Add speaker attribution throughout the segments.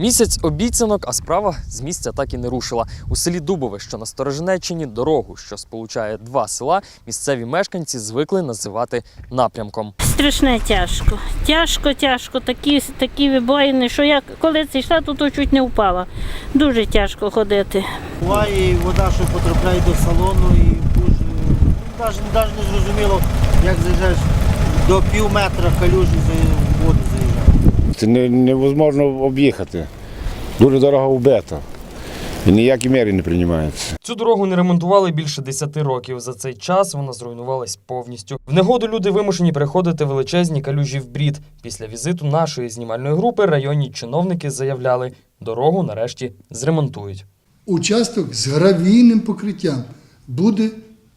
Speaker 1: Місяць обіцянок, а справа з місця так і не рушила. У селі Дубове, що на Сторожинеччині, дорогу, що сполучає два села, місцеві мешканці звикли називати напрямком.
Speaker 2: Страшне тяжко. Тяжко. Такі вибоїни, що я коли це йшла, то чуть не впала. Дуже тяжко ходити.
Speaker 3: Буває і вода, що потрапляє до салону, і дуже, навіть не зрозуміло, як заїжджаєш до пів метра калюжі в воду заїжджає.
Speaker 4: Це невозможно об'їхати. Дуже дорога вбита. І ніякі міри не приймаються.
Speaker 1: Цю дорогу не ремонтували більше 10 років. За цей час вона зруйнувалась повністю. В негоду люди вимушені переходити величезні калюжі в брід. Після візиту нашої знімальної групи районні чиновники заявляли, дорогу нарешті зремонтують.
Speaker 5: Участок з гравійним покриттям буде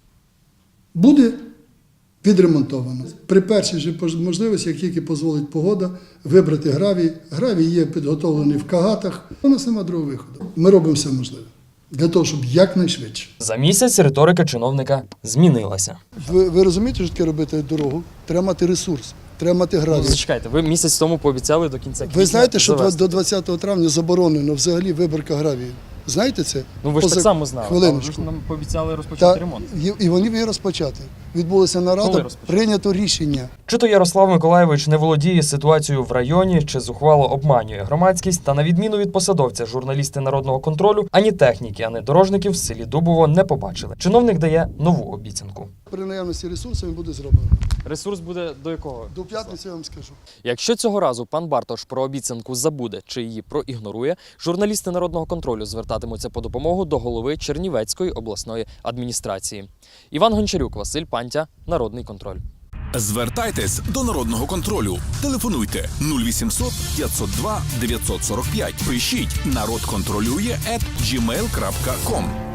Speaker 5: відремонтовано. При першій же можливості, як тільки дозволить погода, вибрати гравій. Гравій є підготовлений в кагатах. У нас немає другого виходу. Ми робимо все можливе для того, щоб якнайшвидше.
Speaker 1: За місяць риторика чиновника змінилася.
Speaker 5: Ви розумієте, що таке робити дорогу? Треба мати ресурс, треба мати гравій.
Speaker 1: Зачекайте, ви місяць тому пообіцяли до кінця квітня
Speaker 5: Ви знаєте, що
Speaker 1: завести.
Speaker 5: до 20 травня заборонено взагалі виборка гравію? Знаєте це?
Speaker 1: Ну ви ж так само знали.
Speaker 5: Хвилиночку.
Speaker 1: Ви ж нам пообіцяли розпочати ремонт.
Speaker 5: І вони її розпочати. Відбулася нарада, прийнято рішення.
Speaker 1: Чи то Ярослав Миколайович не володіє ситуацією в районі, чи зухвало обманює громадськість, та на відміну від посадовця, журналісти народного контролю, ані техніки, ані дорожників в селі Дубово не побачили. Чиновник дає нову обіцянку.
Speaker 5: При наявності ресурсів буде зроблено.
Speaker 1: Ресурс буде до якого?
Speaker 5: До п'ятниці я вам скажу.
Speaker 1: Якщо цього разу пан Бартош про обіцянку забуде чи її проігнорує, журналісти народного контролю звертатимуться по допомогу до голови Чернівецької обласної адміністрації. Іван Гончарюк, Василь Пантя, Народний контроль.
Speaker 6: Звертайтесь до Народного контролю. Телефонуйте 0800 502 945. Пишіть «Народ контролює» @gmail.com.